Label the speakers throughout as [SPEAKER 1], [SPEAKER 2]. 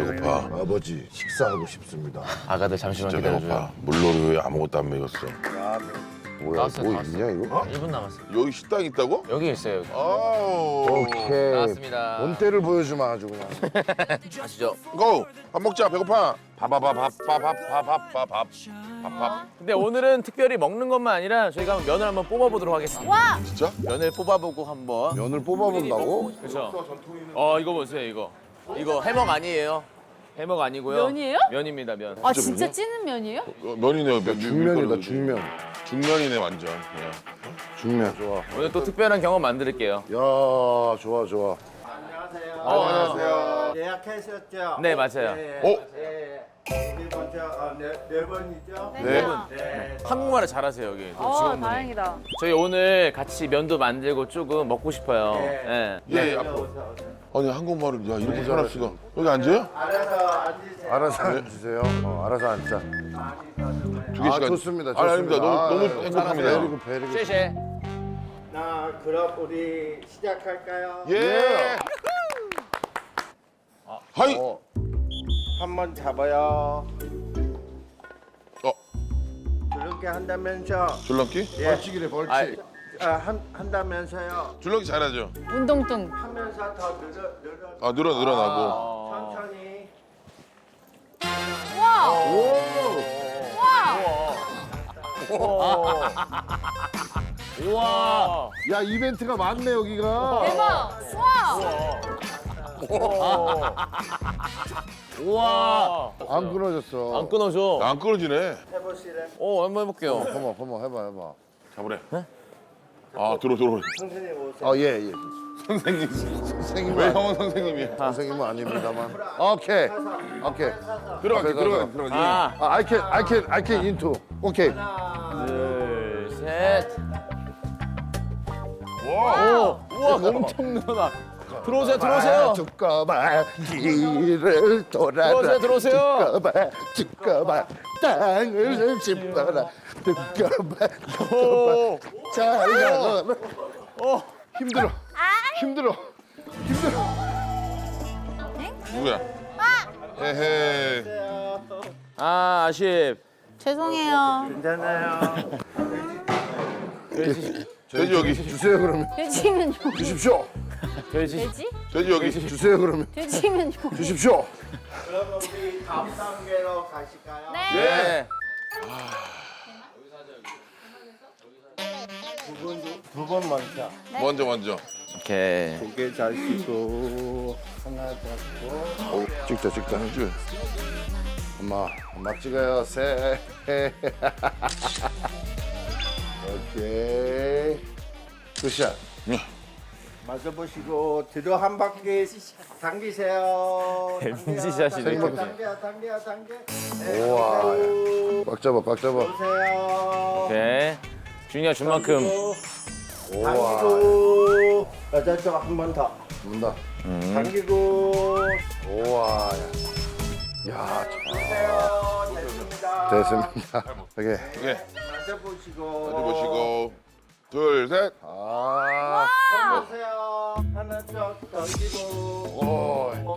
[SPEAKER 1] 배고파.
[SPEAKER 2] 아버지 식사하고 싶습니다.
[SPEAKER 3] 아가들 잠시만
[SPEAKER 1] 진짜
[SPEAKER 3] 기다려줘요.
[SPEAKER 1] 배고파. 물놀이 왜 아무것도 안 먹였어?
[SPEAKER 2] 뭐야
[SPEAKER 3] 나왔어요,
[SPEAKER 2] 뭐
[SPEAKER 3] 나왔어요.
[SPEAKER 2] 있냐 이거?
[SPEAKER 3] 1분 남았어요.
[SPEAKER 1] 여기 식당 있다고?
[SPEAKER 3] 여기 있어요. 여기.
[SPEAKER 1] 아우.
[SPEAKER 2] 오케이.
[SPEAKER 3] 나왔습니다.
[SPEAKER 2] 본때를 보여주마 아주 그냥.
[SPEAKER 3] 아시죠?
[SPEAKER 1] 고! 밥 먹자. 배고파. 밥밥.
[SPEAKER 3] 근데 오늘은 특별히 먹는 것만 아니라 저희가 한번 면을 한번 뽑아보도록 하겠습니다.
[SPEAKER 4] 와!
[SPEAKER 1] 진짜?
[SPEAKER 3] 면을 뽑아보고 한번.
[SPEAKER 2] 면을 뽑아본다고?
[SPEAKER 3] 그렇죠. 이거 보세요, 이거. 이거 해먹 아니에요. 해먹 아니고요.
[SPEAKER 4] 면이에요?
[SPEAKER 3] 면입니다, 면.
[SPEAKER 4] 아 진짜 찌는 면이에요?
[SPEAKER 1] 면이네요.
[SPEAKER 2] 중면이다 중면.
[SPEAKER 1] 중면이네 완전. 예.
[SPEAKER 2] 중면 좋아.
[SPEAKER 3] 오늘 또 특별한 경험 만들게요.
[SPEAKER 2] 야 좋아 좋아.
[SPEAKER 1] 안녕하세요.
[SPEAKER 5] 예약하셨죠?
[SPEAKER 3] 네, 맞아요.
[SPEAKER 5] 네.
[SPEAKER 1] 어?
[SPEAKER 5] 네. 우리 먼저 네 번이죠?
[SPEAKER 1] 네.
[SPEAKER 5] 네.
[SPEAKER 3] 한국말을 잘하세요, 여기. 또 직원분이.
[SPEAKER 4] 다행이다.
[SPEAKER 3] 저희 오늘 같이 면도 만들고 조금 먹고 싶어요.
[SPEAKER 5] 네.
[SPEAKER 3] 예.
[SPEAKER 1] 예, 앞으로. 아니 한국말을 야 이렇게 편할 수가. 여기 앉아요?
[SPEAKER 5] 알아서 앉으세요.
[SPEAKER 2] 알아서 앉으세요. 알아서 앉자.
[SPEAKER 1] 2개씩
[SPEAKER 2] 좋습니다.
[SPEAKER 1] 아니 아닙니다. 너무
[SPEAKER 2] 아유,
[SPEAKER 1] 행복합니다.
[SPEAKER 2] 베리고 베리고.
[SPEAKER 3] 쉐쉐.
[SPEAKER 5] 나 그럼 우리 시작할까요?
[SPEAKER 1] 예. 하이.
[SPEAKER 5] 한번 잡아요.
[SPEAKER 1] 어,
[SPEAKER 5] 그렇게 한다면서
[SPEAKER 1] 줄넘기?
[SPEAKER 2] 벌칙이래 벌칙.
[SPEAKER 3] 아이,
[SPEAKER 5] 한다면서요.
[SPEAKER 1] 줄넘기 잘하죠.
[SPEAKER 4] 운동뚱.
[SPEAKER 5] 하면서 더 늘어
[SPEAKER 1] 아 늘어나고.
[SPEAKER 5] 천천히.
[SPEAKER 4] 와!
[SPEAKER 3] 우와.
[SPEAKER 2] 야 이벤트가 많네 여기가.
[SPEAKER 4] 대박! 와!
[SPEAKER 3] 우와.
[SPEAKER 2] 안 끊어졌어.
[SPEAKER 3] 안 끊어져.
[SPEAKER 1] 안 끊어지네.
[SPEAKER 5] 해보시래.
[SPEAKER 3] 한번 해볼게요.
[SPEAKER 2] 어머 해봐.
[SPEAKER 1] 잡으래. 아 들어.
[SPEAKER 5] 선생님 오세요.
[SPEAKER 2] 예 예.
[SPEAKER 1] 선생님.
[SPEAKER 2] 선생님은
[SPEAKER 1] 왜 형은 선생님이야?
[SPEAKER 2] 선생님은 아닙니다만. 오케이.
[SPEAKER 1] 들어가지.
[SPEAKER 3] 아,
[SPEAKER 2] I can into. 오케이.
[SPEAKER 3] 둘, 셋.
[SPEAKER 1] 와.
[SPEAKER 3] 우와, 엄청 늘어나. 들어오세요.
[SPEAKER 2] 두꺼봐 길을 돌아라.
[SPEAKER 3] 들어오세요.
[SPEAKER 2] 두꺼봐 땅을 짚어라. 두꺼봐 잘 가라. 힘들어.
[SPEAKER 1] 누구야? 에헤.
[SPEAKER 3] 아, 아쉽.
[SPEAKER 4] 죄송해요.
[SPEAKER 5] 괜찮아요.
[SPEAKER 1] 돼지 여기.
[SPEAKER 2] 주세요 그러면.
[SPEAKER 4] 돼지면요.
[SPEAKER 2] 주십시오.
[SPEAKER 3] 돼지.
[SPEAKER 4] 돼지?
[SPEAKER 1] 돼지 여기.
[SPEAKER 2] 주세요 그러면.
[SPEAKER 4] 돼지면요.
[SPEAKER 2] 주십시오.
[SPEAKER 5] 그럼 우리 다음 단계로 가실까요?
[SPEAKER 3] 네.
[SPEAKER 5] 두 번 먼저.
[SPEAKER 1] 먼저.
[SPEAKER 3] 오케이.
[SPEAKER 5] 고개 자시고 하나 잡고.
[SPEAKER 2] 찍자. 엄마 찍어요. 세. 오케이. 굿샷.
[SPEAKER 5] 맞아보시고 뒤로 한 바퀴 당기세요.
[SPEAKER 3] MZ 샷이네.
[SPEAKER 5] 당겨.
[SPEAKER 2] 우와. 꽉 잡아.
[SPEAKER 5] 보세요.
[SPEAKER 3] 오케이. 준이가 준 만큼.
[SPEAKER 2] 우와.
[SPEAKER 5] 당기고 여자쪽 한 번 더.
[SPEAKER 2] 문다.
[SPEAKER 5] 당기고.
[SPEAKER 2] 우와. 야,
[SPEAKER 5] 보세요. 됐습니다.
[SPEAKER 2] 됐습니다. 오케이.
[SPEAKER 1] 오케이.
[SPEAKER 5] 맞아보시고.
[SPEAKER 1] 보시고. 둘, 셋.
[SPEAKER 2] 아.
[SPEAKER 5] 보세요. 하나 쪽 당기고.
[SPEAKER 2] 오,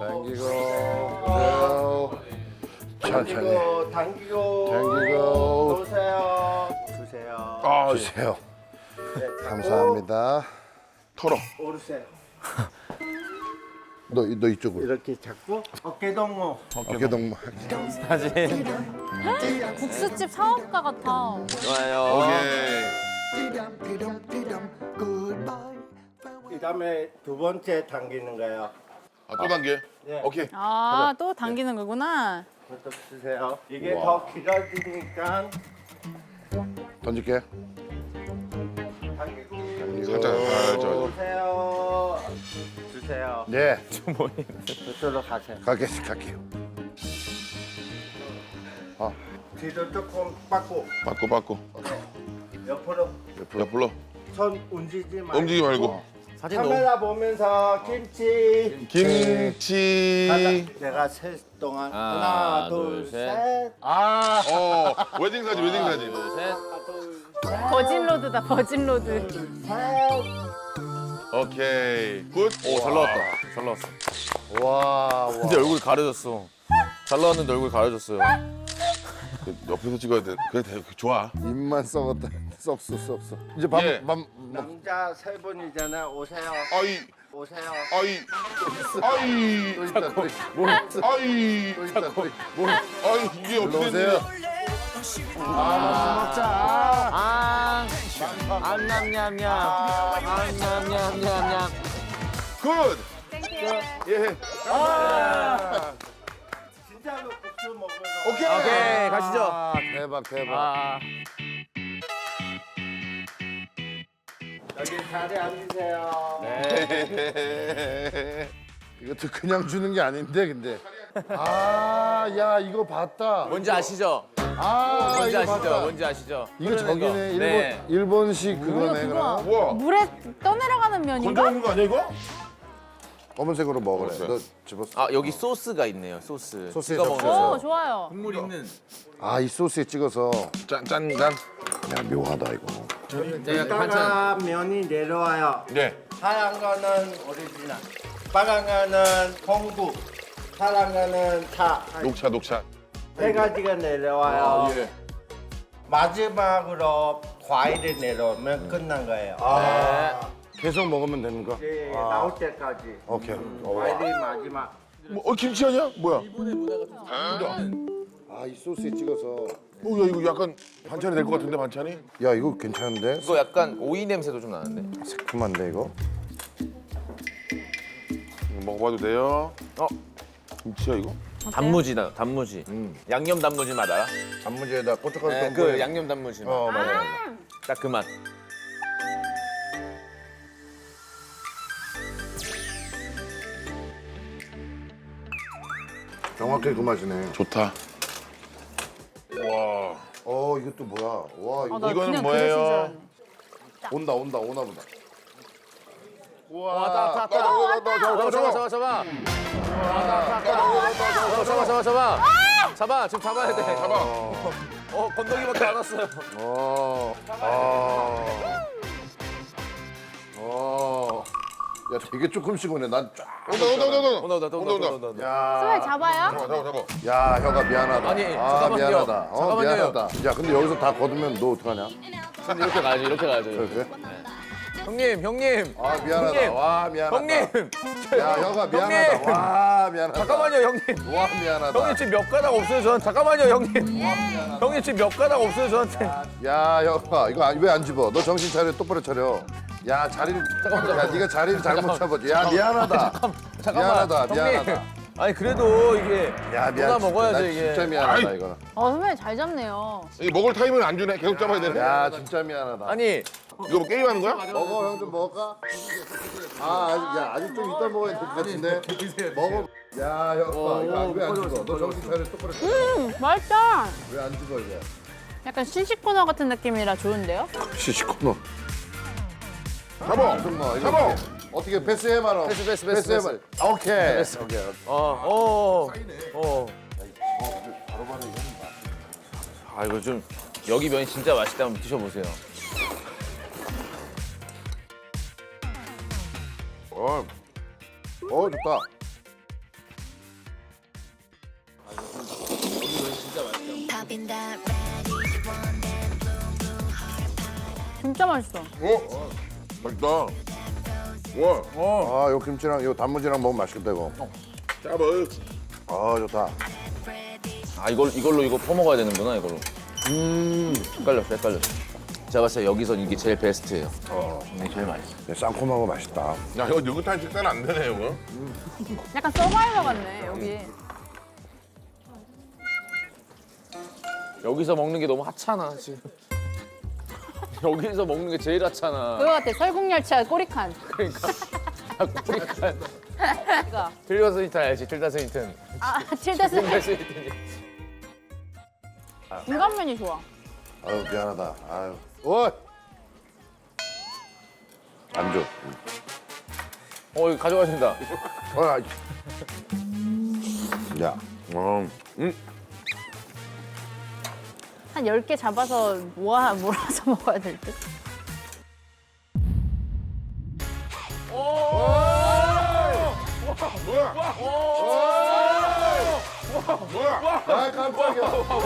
[SPEAKER 2] 당기고. 천천히.
[SPEAKER 5] 당기고. 보세요. 주세요.
[SPEAKER 1] 아,
[SPEAKER 2] 주세요.
[SPEAKER 5] 네,
[SPEAKER 2] 감사합니다.
[SPEAKER 1] 털어.
[SPEAKER 5] 오르세요.
[SPEAKER 2] 너 이쪽으로.
[SPEAKER 5] 이렇게 잡고 어깨 동무.
[SPEAKER 2] 어깨 동무.
[SPEAKER 3] 사진.
[SPEAKER 4] 국수집 사업가 같아.
[SPEAKER 3] 좋아요.
[SPEAKER 1] 오케이.
[SPEAKER 5] 그다음에 두 번째 당기는 거예요.
[SPEAKER 1] 또 단계.
[SPEAKER 5] 네.
[SPEAKER 1] 오케이.
[SPEAKER 4] 아, 또 당기는 거구나.
[SPEAKER 5] 그것도 주세요. 이게
[SPEAKER 1] 우와.
[SPEAKER 5] 더 길어지니까
[SPEAKER 2] 던질게.
[SPEAKER 5] 당기고.
[SPEAKER 1] 살짝.
[SPEAKER 5] 주세요. 주세요.
[SPEAKER 2] 네.
[SPEAKER 5] 저쪽으로 가세요.
[SPEAKER 2] 갈게요.
[SPEAKER 5] 뒤로 조금 빠고
[SPEAKER 1] 바꿔.
[SPEAKER 5] 옆으로
[SPEAKER 1] 옆으로.
[SPEAKER 5] 손 움직이지 말고.
[SPEAKER 1] 움직이지 말고.
[SPEAKER 3] 사진 너무.
[SPEAKER 5] 카메라 보면서 김치.
[SPEAKER 1] 김치.
[SPEAKER 5] 내가 셋 동안
[SPEAKER 3] 하나,
[SPEAKER 5] 하나,
[SPEAKER 3] 둘,
[SPEAKER 5] 둘,
[SPEAKER 3] 셋.
[SPEAKER 5] 셋.
[SPEAKER 1] 웨딩 사진.
[SPEAKER 3] 둘, 셋.
[SPEAKER 4] 버진로드다, 버진로드.
[SPEAKER 5] 셋.
[SPEAKER 1] 오케이. 굿.
[SPEAKER 3] 오, 잘 나왔다.
[SPEAKER 2] 와.
[SPEAKER 3] 근데 얼굴 가려졌어. 잘 나왔는데 얼굴 가려졌어요.
[SPEAKER 1] 그 옆에서 찍어야 돼. 그래 좋아.
[SPEAKER 2] 입만 썩었다. 썩어. 이제
[SPEAKER 1] 예.
[SPEAKER 5] 남자 세 분이잖아. 오세요.
[SPEAKER 1] 아이
[SPEAKER 5] 오세요.
[SPEAKER 1] 아이 아이
[SPEAKER 2] 또 있다.
[SPEAKER 1] 아이
[SPEAKER 2] 또 있다.
[SPEAKER 1] 아이 이게 어떻게
[SPEAKER 2] 오세요.
[SPEAKER 1] 됐냐?
[SPEAKER 3] 냠냠냠냠. 냠냠냠냠.
[SPEAKER 1] 굿. 예.
[SPEAKER 5] 진짜로 국수 먹으러.
[SPEAKER 1] 오케이.
[SPEAKER 3] 오케이 가시죠.
[SPEAKER 2] 아, 대박.
[SPEAKER 3] 아.
[SPEAKER 5] 여기 자리에 앉으세요.
[SPEAKER 3] 네.
[SPEAKER 2] 이것도 그냥 주는 게 아닌데 근데. 아, 야 이거 봤다.
[SPEAKER 3] 뭔지 아시죠?
[SPEAKER 2] 아,
[SPEAKER 3] 뭔지
[SPEAKER 2] 이거
[SPEAKER 3] 아시죠?
[SPEAKER 2] 봤다.
[SPEAKER 3] 뭔지 아시죠?
[SPEAKER 2] 이거
[SPEAKER 3] 흐르는
[SPEAKER 2] 저기네
[SPEAKER 3] 거.
[SPEAKER 2] 일본
[SPEAKER 3] 네.
[SPEAKER 2] 일본식 그거네
[SPEAKER 4] 그거
[SPEAKER 2] 그럼.
[SPEAKER 1] 우와.
[SPEAKER 4] 물에 떠내려가는 면인가?
[SPEAKER 1] 건져오는 거 아니야 이거?
[SPEAKER 2] 검은색으로 먹으래.
[SPEAKER 1] 먹었어요.
[SPEAKER 2] 너 집었어.
[SPEAKER 3] 아 여기 소스가 있네요. 소스.
[SPEAKER 2] 소스에
[SPEAKER 3] 찍어
[SPEAKER 2] 적셔서.
[SPEAKER 3] 먹는
[SPEAKER 4] 오 좋아요.
[SPEAKER 3] 국물 있는.
[SPEAKER 2] 아, 이 소스에 찍어서.
[SPEAKER 1] 짠.
[SPEAKER 2] 야 묘하다 이거.
[SPEAKER 3] 네, 반찬.
[SPEAKER 5] 이따가 면이 내려와요.
[SPEAKER 1] 네.
[SPEAKER 5] 하얀 거는 오리지널. 빨간 거는 홍국. 파란 거는 차.
[SPEAKER 1] 녹차.
[SPEAKER 5] 세 가지가 내려와요.
[SPEAKER 1] 예.
[SPEAKER 5] 마지막으로 과일이 내려오면 끝난 거예요.
[SPEAKER 3] 네.
[SPEAKER 2] 계속 먹으면 되는 거?
[SPEAKER 5] 예, 나올 때까지.
[SPEAKER 2] 오케이.
[SPEAKER 5] 과일이 마지막.
[SPEAKER 1] 뭐 김치 아니야? 뭐야?
[SPEAKER 2] 아, 이 소스에 찍어서.
[SPEAKER 1] 야 이거 약간 반찬이 될 것 같은데 반찬이?
[SPEAKER 2] 야, 이거 괜찮은데?
[SPEAKER 3] 이거 약간 오이 냄새도 좀 나는데.
[SPEAKER 2] 새콤한데 이거?
[SPEAKER 1] 먹어봐도 돼요?
[SPEAKER 3] 어
[SPEAKER 1] 김치야 이거?
[SPEAKER 3] 단무지다. 단무지. 양념 단무지 맛 알아?
[SPEAKER 2] 단무지에다 고춧가루
[SPEAKER 3] 네,
[SPEAKER 2] 좀
[SPEAKER 3] 그
[SPEAKER 2] 뿌려.
[SPEAKER 3] 양념 단무지 맛.
[SPEAKER 2] 맞아.
[SPEAKER 3] 딱 그 맛.
[SPEAKER 2] 정확히 그 맛이네.
[SPEAKER 1] 좋다. 와.
[SPEAKER 2] 이것도 뭐야? 와, 이거
[SPEAKER 4] 아, 나
[SPEAKER 1] 이거는
[SPEAKER 4] 그냥
[SPEAKER 1] 뭐예요?
[SPEAKER 4] 그릇인 줄 알았네.
[SPEAKER 2] 오나 보다.
[SPEAKER 3] 와, 잡아. 잡아. 지금 잡아야 돼.
[SPEAKER 1] 잡아.
[SPEAKER 3] 건더기밖에 안 왔어요.
[SPEAKER 2] 야, 되게 조금씩 오네. 난 쫙.
[SPEAKER 1] 온다.
[SPEAKER 4] 스멜 잡아요?
[SPEAKER 1] 잡아.
[SPEAKER 2] 야, 혀가 미안하다.
[SPEAKER 3] 아니,
[SPEAKER 2] 아,
[SPEAKER 3] 잠깐만요.
[SPEAKER 2] 미안하다.
[SPEAKER 3] 잠깐만요.
[SPEAKER 2] 미안하다. 야, 근데 여기서 다 거두면 너 어떡하냐?
[SPEAKER 3] 이렇게 가야죠. 이렇게 가야죠.
[SPEAKER 2] 그래?
[SPEAKER 3] 형님.
[SPEAKER 2] 아, 미안하다.
[SPEAKER 3] 형님.
[SPEAKER 2] 와, 미안하다.
[SPEAKER 3] 형님.
[SPEAKER 2] 야, 혀가 미안하다.
[SPEAKER 3] 형님.
[SPEAKER 2] 와, 미안하다.
[SPEAKER 3] 잠깐만요, 형님.
[SPEAKER 2] 와, 미안하다.
[SPEAKER 3] 형님 지금 몇 가닥 없어요, 저한테. 잠깐만요, 형님. 형님 지금 몇 가닥 없어요, 저한테.
[SPEAKER 2] 야, 혀가 이거 왜 안 집어? 너 정신 차려. 똑바로 차려. 야, 자리를 야, 네가 자리를 잘못 잡았지. 야, 미안하다.
[SPEAKER 3] 잠깐만.
[SPEAKER 2] 미안하다.
[SPEAKER 3] 형님. 아니 그래도 이게
[SPEAKER 2] 야,
[SPEAKER 3] 누가 먹어야죠,
[SPEAKER 2] 나
[SPEAKER 3] 이게.
[SPEAKER 2] 진짜 미안하다 이거는.
[SPEAKER 4] 선배 잘 잡네요.
[SPEAKER 1] 이 먹을 타임을 안 주네. 계속 잡아야 되네.
[SPEAKER 2] 야, 진짜 미안하다.
[SPEAKER 3] 아니
[SPEAKER 1] 이거 뭐 게임하는 거야?
[SPEAKER 2] 먹어, 형 좀 먹을까? 아직 좀 이따 먹어야 될 것 같은데. 먹어. 야, 형, 이거 왜 안 죽어? 너 정신 차려 똑바로 차려.
[SPEAKER 4] 맛있다.
[SPEAKER 2] 왜 안 죽어 이거?
[SPEAKER 4] 약간 신식 코너 같은 느낌이라 좋은데요?
[SPEAKER 2] 시시코너.
[SPEAKER 1] 잡아.
[SPEAKER 2] 정말 이거
[SPEAKER 1] 잡아.
[SPEAKER 2] 어떻게 패스해 말어?
[SPEAKER 3] 패스.
[SPEAKER 2] 해말. 오케이. 오케이.
[SPEAKER 3] 아 이거 좀 여기 면이 진짜 맛있다. 한번 드셔보세요.
[SPEAKER 2] 좋다.
[SPEAKER 6] Popping that red, one and blue, blue heart pie.
[SPEAKER 4] 진짜 맛있어.
[SPEAKER 1] 맛있다. 와.
[SPEAKER 2] 아, 요 김치랑 요 단무지랑 먹으면 맛있겠다 이거.
[SPEAKER 1] 잡아.
[SPEAKER 2] 좋다.
[SPEAKER 3] 아 이걸로 이거 퍼먹어야 되는구나 이걸로. 헷갈렸어. 제가 봤을 때 여기서 이게 제일 베스트예요. 제일 맛있어.
[SPEAKER 2] 쌍콤하고 맛있다.
[SPEAKER 1] 야 이거 느긋한 식사는 안 되네 이거.
[SPEAKER 4] 약간 서바이버 같네 여기.
[SPEAKER 3] 여기서 먹는 게 너무 하찮아 지금. 여기서 먹는 게 제일 하찮아.
[SPEAKER 4] 그거 같아. 설국열차 꼬리칸.
[SPEAKER 3] 그러니까 꼬리칸.
[SPEAKER 4] 이거.
[SPEAKER 3] 틀다 스니튼 알지? 틀다 스니튼.
[SPEAKER 4] 칠다스.
[SPEAKER 3] 틀다 스니튼.
[SPEAKER 4] 중간면이 좋아.
[SPEAKER 2] 아유, 미안하다. 아유. 오. 안 줘.
[SPEAKER 3] 이거 가져가신다.
[SPEAKER 2] 야.
[SPEAKER 4] 한 10개 잡아서 몰아서 먹어야 될 듯.
[SPEAKER 1] 뭐야?
[SPEAKER 2] 아 깜짝이야.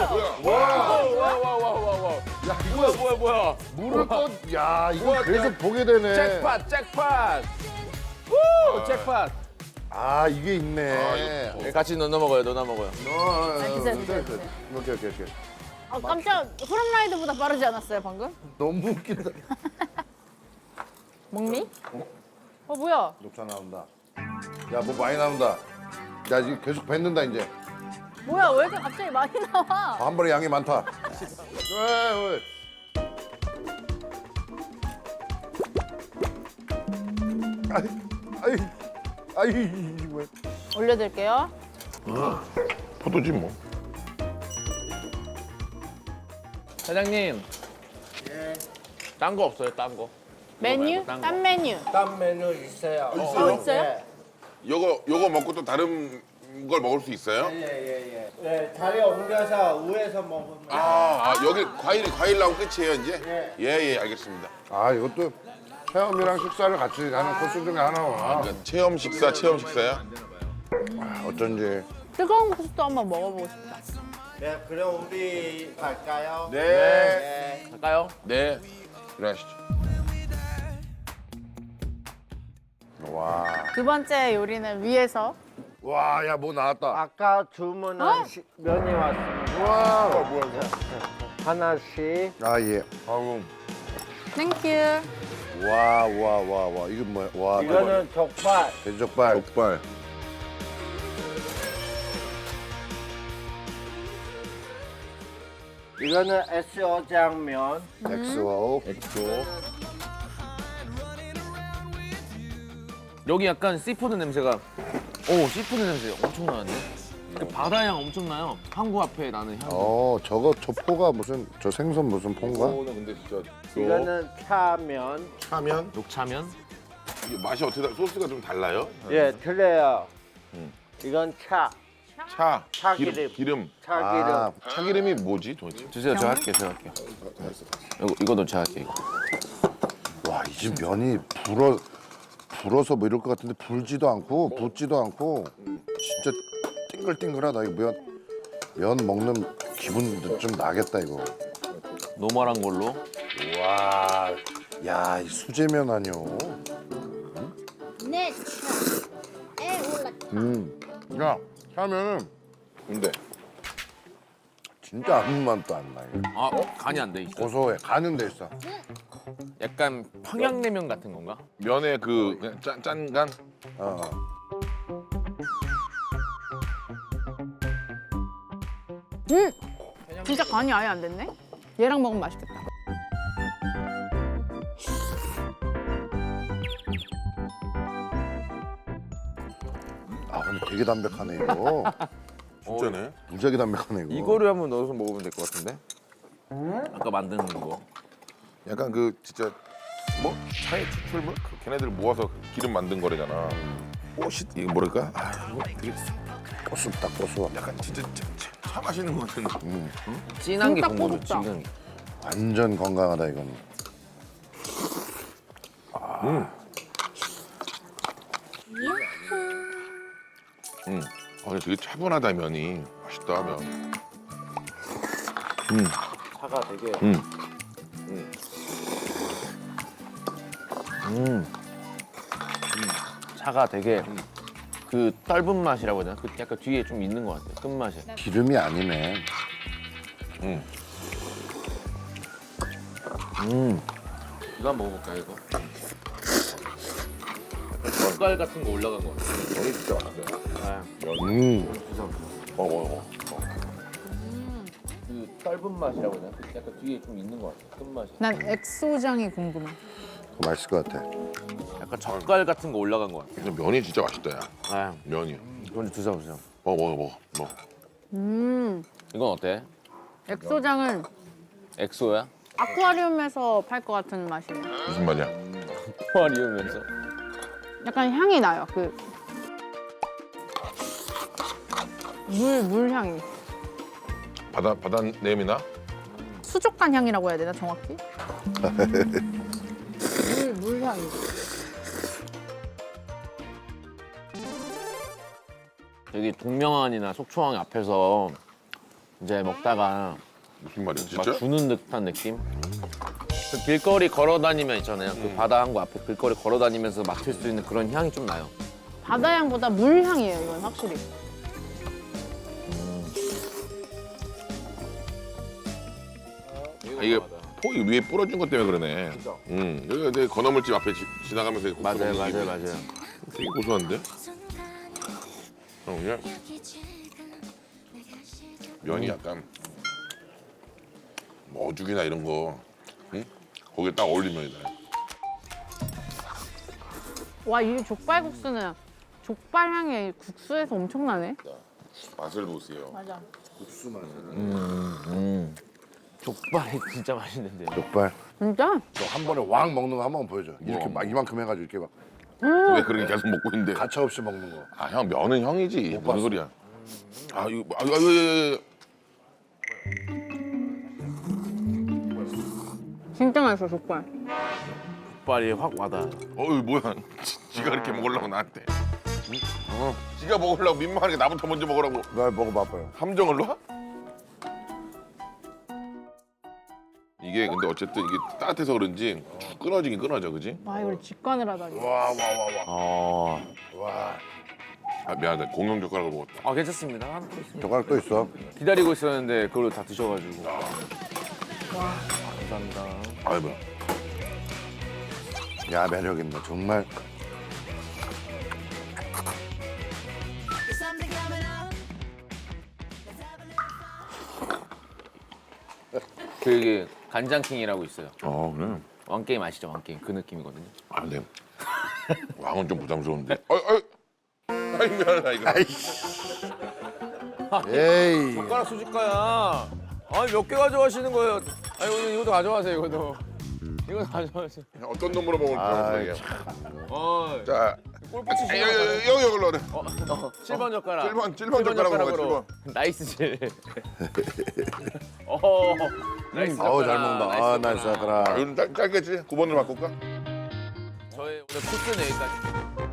[SPEAKER 3] 와와와와와.
[SPEAKER 2] 야 이거
[SPEAKER 3] 뭐야?
[SPEAKER 2] 물을 떠. 야 이거 계속 보게 되네.
[SPEAKER 3] 잭팟. 우 잭팟.
[SPEAKER 2] 아 이게 있네.
[SPEAKER 3] 같이 넣어 먹어요. 넣어 먹어요.
[SPEAKER 4] 드세요.
[SPEAKER 2] 오케이.
[SPEAKER 4] 아, 깜짝 후렴라이드보다 빠르지 않았어요 방금?
[SPEAKER 2] 너무 웃긴다.
[SPEAKER 4] 먹니? 뭐야?
[SPEAKER 2] 녹차 나온다. 야 뭐 많이 나온다. 야 지금 계속 뱉는다 이제.
[SPEAKER 4] 뭐야 왜 이렇게 갑자기 많이 나와?
[SPEAKER 2] 한 번에 양이 많다. 왜? 아이 왜?
[SPEAKER 4] 올려드릴게요.
[SPEAKER 1] 포도지 뭐.
[SPEAKER 3] 사장님. 딴 거 없어요? 딴 거?
[SPEAKER 4] 메뉴?
[SPEAKER 3] 딴 거.
[SPEAKER 4] 딴 메뉴.
[SPEAKER 5] 딴 메뉴 있어요.
[SPEAKER 4] 있어요?
[SPEAKER 5] 네.
[SPEAKER 1] 요거 먹고 또 다른 걸 먹을 수 있어요?
[SPEAKER 5] 예. 네, 자리 옮겨서 위에서 먹으면.
[SPEAKER 1] 여기 과일 나오면 끝이에요 이제? 예, 알겠습니다.
[SPEAKER 2] 아 이것도 체험이랑 식사를 같이 하는 코스 중에 하나구나.
[SPEAKER 1] 그러니까 체험 식사야?
[SPEAKER 2] 어쩐지.
[SPEAKER 4] 뜨거운 국수도 한번 먹어보고 싶다.
[SPEAKER 5] 네, 그럼 우리 갈까요?
[SPEAKER 1] 네.
[SPEAKER 3] 갈까요?
[SPEAKER 1] 네. 일어나시죠.
[SPEAKER 2] 와.
[SPEAKER 4] 두 번째 요리는 위에서.
[SPEAKER 2] 와, 야 뭐 나왔다.
[SPEAKER 5] 아까 주문한 면이 왔습니다.
[SPEAKER 2] 와.
[SPEAKER 1] 뭐야.
[SPEAKER 5] 하나씩.
[SPEAKER 2] 아 예.
[SPEAKER 1] 아우.
[SPEAKER 4] 땡큐.
[SPEAKER 2] 와. 이거 뭐야? 와.
[SPEAKER 5] 이거는 족발.
[SPEAKER 2] 돼지족발.
[SPEAKER 1] 족발.
[SPEAKER 5] 이거는 SO장면.
[SPEAKER 2] 엑스와오.
[SPEAKER 3] 여기 약간 씨푸드 냄새가 씨푸드 냄새 엄청 나는데? 그 바다향 엄청 나요. 항구 앞에 나는 향.
[SPEAKER 2] 저거 저 포가 무슨 저 생선 무슨 포인가?
[SPEAKER 1] 이거는 근데 진짜
[SPEAKER 5] 이거는 차면.
[SPEAKER 1] 차면
[SPEAKER 3] 녹차면?
[SPEAKER 1] 이게 맛이 어떻게 소스가 좀 달라요?
[SPEAKER 5] 예, 틀려요. 이건 차.
[SPEAKER 1] 기름.
[SPEAKER 5] 차기름.
[SPEAKER 1] 참기름이 뭐지 도대체?
[SPEAKER 3] 주세요. 제가 할게요. 이거도 제가 할게요.
[SPEAKER 2] 와, 이 집 면이 불어서 뭐 이럴 것 같은데 불지도 않고 붓지도 않고 진짜 띵글띵글하다. 이거 면 먹는 기분도 좀 나겠다 이거.
[SPEAKER 3] 노멀한 걸로.
[SPEAKER 2] 와, 야, 이 수제면 아니오.
[SPEAKER 6] 네, 올라.
[SPEAKER 2] 야, 하면은
[SPEAKER 1] 근데
[SPEAKER 2] 진짜 아무 맛도 안 나. 이거.
[SPEAKER 3] 간이 안 돼 있어.
[SPEAKER 2] 고소해. 가는 데 있어.
[SPEAKER 3] 약간 평양냉면 같은 건가?
[SPEAKER 1] 면에 그 그냥 짠간
[SPEAKER 2] 어.
[SPEAKER 4] 진짜 간이 아예 안 됐네? 얘랑 먹으면 맛있겠다.
[SPEAKER 2] 아, 근데 되게 담백하네 이거.
[SPEAKER 1] 진짜네.
[SPEAKER 2] 무지하게 담백하네 이거.
[SPEAKER 3] 이거를 한번 넣어서 먹으면 될 것 같은데? 아까 만든 거.
[SPEAKER 1] 약간 그 진짜 뭐 차에 추출물 그 걔네들 모아서 기름 만든 거래잖아. 오씨 이게 뭐랄까? 이거 되게
[SPEAKER 2] 고소다 고소.
[SPEAKER 1] 약간 진짜 차 마시는 거는
[SPEAKER 3] 진한 게
[SPEAKER 4] 진짜
[SPEAKER 3] 궁금해.
[SPEAKER 4] 고급다.
[SPEAKER 3] 진한 게.
[SPEAKER 2] 완전 건강하다 이건.
[SPEAKER 1] 근데 되게 차분하다 면이 맛있다 면.
[SPEAKER 5] 차가 되게.
[SPEAKER 3] 차가 되게 그 떫은 맛이라고 해야 되나? 그 약간 뒤에 좀 있는 것 같아요. 끝맛이.
[SPEAKER 2] 기름이 아니네.
[SPEAKER 3] 이거 한번 먹어볼까요, 이거? 젓갈 같은 거 올라간 거 같아요.
[SPEAKER 1] 면이 진짜 맛있어요. 먹어.
[SPEAKER 3] 그 떫은 맛이라고 해야 되나? 그 약간 뒤에 좀 있는 것 같아요. 끝맛이.
[SPEAKER 4] 난 엑소장이 궁금해.
[SPEAKER 2] 그거 맛있을 것 같아.
[SPEAKER 3] 약간 젓갈 같은 거 올라간 것 같아요.
[SPEAKER 1] 근데 면이 진짜 맛있다 야.
[SPEAKER 3] 아,
[SPEAKER 1] 면이.
[SPEAKER 3] 먼저 드셔보세요.
[SPEAKER 1] 먹어.
[SPEAKER 3] 이건 어때?
[SPEAKER 4] 엑소장은
[SPEAKER 3] 엑소야?
[SPEAKER 4] 아쿠아리움에서 팔 것 같은 맛이에요.
[SPEAKER 1] 무슨 말이야?
[SPEAKER 3] 포화리우면서.
[SPEAKER 4] 약간 향이 나요. 그 물 향이.
[SPEAKER 1] 바다 냄이나?
[SPEAKER 4] 수족관 향이라고 해야 되나 정확히? 물 향이.
[SPEAKER 3] 여기 동명안이나 속초항 앞에서 이제 먹다가
[SPEAKER 1] 무슨 말이야
[SPEAKER 3] 막
[SPEAKER 1] 진짜?
[SPEAKER 3] 주는 듯한 느낌? 그 길거리 걸어 다니면 있잖아요. 그 바다 항구 앞에 길거리 걸어 다니면서 맡을 수 있는 그런 향이 좀 나요.
[SPEAKER 4] 바다향보다 물향이에요, 이건 확실히.
[SPEAKER 1] 이게 포이 위에 뿌려준 것 때문에 그러네. 여기가 내 건어물집 앞에 지나가면서 국수
[SPEAKER 3] 맞아요,
[SPEAKER 1] 먹는
[SPEAKER 3] 맞아요,
[SPEAKER 1] 집이
[SPEAKER 3] 맞아요.
[SPEAKER 1] 되게 고소한데? 그냥 면이 약간 뭐 어죽이나 이런 거, 응? 거기에 딱 어울리는 면이다.
[SPEAKER 4] 와, 이 족발국수는 족발 향이 국수에서 엄청나네.
[SPEAKER 1] 맛을 보세요.
[SPEAKER 4] 맞아.
[SPEAKER 3] 족발이 진짜 맛있는데요.
[SPEAKER 2] 족발.
[SPEAKER 4] 진짜?
[SPEAKER 2] 너 한 번에 왕 먹는 거 한 번 보여줘. 이렇게 막 이만큼 해가지고 이렇게 막
[SPEAKER 1] 왜 그렇게 계속 먹고 있는데?
[SPEAKER 2] 가차 없이 먹는 거.
[SPEAKER 1] 아 형 면은 형이지. 무슨
[SPEAKER 2] 봤어.
[SPEAKER 1] 소리야? 아 이거 예.
[SPEAKER 4] 진짜 맛있어, 족발.
[SPEAKER 3] 족발이 확 와닿아요.
[SPEAKER 1] 어이 뭐야? 지가 이렇게 먹으려고 나한테. 지가 먹으려고 민망하게 나부터 먼저 먹으라고
[SPEAKER 2] 나 먹어봐봐요.
[SPEAKER 1] 함정을 놔? 이게 근데 어쨌든 이게 따뜻해서 그런지 쭉 끊어지긴 끊어져, 그지?
[SPEAKER 4] 와, 이걸 직관을 하다니.
[SPEAKER 3] 어.
[SPEAKER 1] 아 미안하다, 공룡 젓가락을 먹었다.
[SPEAKER 3] 아 괜찮습니다.
[SPEAKER 2] 젓가락 또 있어.
[SPEAKER 3] 기다리고 있었는데 그걸 다 드셔가지고. 감사합니다.
[SPEAKER 1] 아이 뭐야?
[SPEAKER 2] 야 매력 있네 정말.
[SPEAKER 3] 그게 간장킹이라고 있어요.
[SPEAKER 1] 그래.
[SPEAKER 3] 왕게임 아시죠? 왕게임 그 느낌이거든요.
[SPEAKER 1] 아 근데 왕은 좀 부담스러운데. 아이 미안하다 이거.
[SPEAKER 2] 에이.
[SPEAKER 3] 젓가락 수집가야. 아니 몇 개 가져가시는 거예요? 아니 오늘 이것도 가져가세요. 이것도. 이거 가져가세요.
[SPEAKER 1] 어떤 놈으로 먹을지
[SPEAKER 2] 아이,
[SPEAKER 1] 모르겠어. 자,
[SPEAKER 3] 골프 치시는
[SPEAKER 1] 여기 여기로 그래.
[SPEAKER 3] 7번 젓가락.
[SPEAKER 1] 7번 젓가락으로 먹어, 7번.
[SPEAKER 3] 나이스질. 나이스.
[SPEAKER 2] 아우 잘 먹는다. 아
[SPEAKER 3] 나이스
[SPEAKER 2] 나이스
[SPEAKER 3] 젓가락.
[SPEAKER 2] 젓가락.
[SPEAKER 1] 이건 짧겠지? 9번으로 바꿀까?
[SPEAKER 3] 저의 오늘 코스는 여기까지.